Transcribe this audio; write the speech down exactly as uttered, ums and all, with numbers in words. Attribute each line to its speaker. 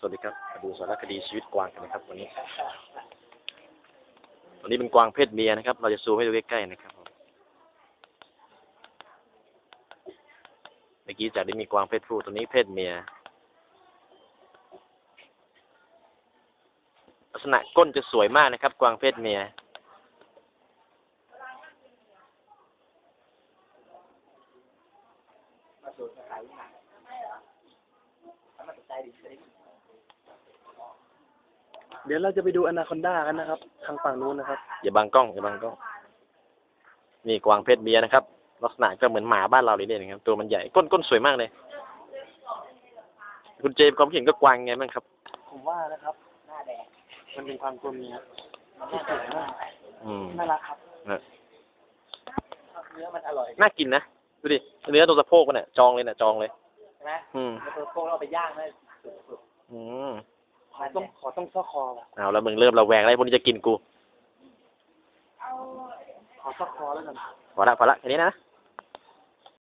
Speaker 1: สวัสดีครับมาดูสารคดีชีวิตกวางกันนะครับวันนี้วันนี้เป็นกวางเพศเมียนะครับเราจะซูมให้ดูใกล้ๆนะครับเมื่อกี้จากได้มีกวางเพศผู้ตัวนี้เพศเมียลักษณะก้นจะสวยมากนะครับกวางเพศเมีย
Speaker 2: เดี๋ยวเราจะไปดูอนาคอนดากันนะครับทางฝั่งนู้นนะครับ
Speaker 1: อย่าบังกล้องอย่าบังกล้องนี่กวางเพศเมียนะครับลักษณะก็เหมือนหมาบ้านเราเลยเนี่ยนะครับตัวมันใหญ่ก้นก้นสวยมากเลยคุณเจมส์ความเห็นก็กวางไงบ้างครับ
Speaker 2: ผมว่านะครับหน้าแดงมันเป็นความกลมเนี้ยที่สวยมาก
Speaker 1: อืม
Speaker 2: น่ารักครับเนื้อมันอร่อย
Speaker 1: น่ากินนะดูดิเนื้อตัวสะโพกมันเนี่ยจองเลยเนี่ยจองเลย
Speaker 2: ใช่ไหม
Speaker 1: อืม
Speaker 2: ตัวสะโพกเราไปย่างได้สุด
Speaker 1: ๆอืม
Speaker 2: ขอต้องขอต้องซ่อคอแบบ
Speaker 1: เอาแล้วมึงเริ่มระแวงอะไรพวกนี้จะกินกู
Speaker 2: ขอซ่อคอแล้วกัน
Speaker 1: พอละพอละแค่นี้นะ